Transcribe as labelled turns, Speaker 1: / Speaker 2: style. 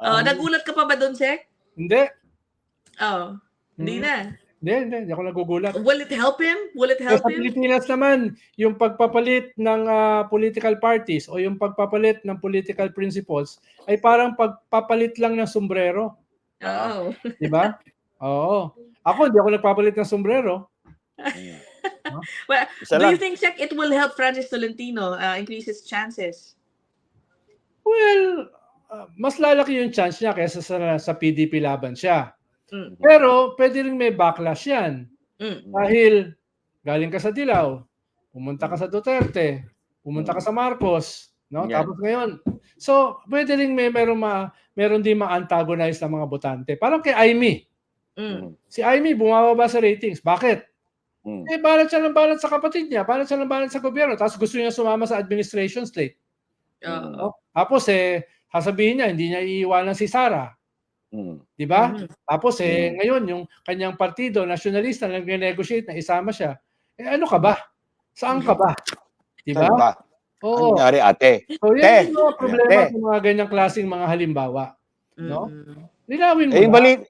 Speaker 1: Nagulat ka pa ba doon, Sek?
Speaker 2: Hindi.
Speaker 1: Hindi na.
Speaker 2: Hindi ako nagugulat.
Speaker 1: Will it help him?
Speaker 2: Sa Pilipinas naman, yung pagpapalit ng political parties o yung pagpapalit ng political principles ay parang pagpapalit lang ng sombrero. Di ba? Oo. Ako, hindi ako nagpapalit ng sombrero.
Speaker 1: Well, do you think, Sek, it will help Francis Tolentino increase his chances?
Speaker 2: Well, mas lalaki yung chance niya kaysa sa PDP laban siya. Pero pwede rin may backlash yan. Dahil galing ka sa Dilaw, pumunta ka sa Duterte, pumunta ka sa Marcos, no? Yeah. Tapos ngayon. So, pwede rin meron din ma-antagonize ng mga botante. Parang kay Aimee. Si Aimee bumababa sa ratings. Bakit? Balat siya ng balat sa kapatid niya, balat siya ng balat sa gobyerno, tapos gusto niya sumama sa administration slate. Tapos sasabihin niya, hindi niya iiwanan si Sara. Di ba? Tapos ngayon yung kanyang partido, nasyonalista, nag-negotiate na isama siya. Ano ka ba? Saan ka ba? Di ba?
Speaker 3: Oo. Ano nangyari, ate?
Speaker 2: So yan yung problema sa mga ganyang klaseng mga halimbawa. No? Linawin mo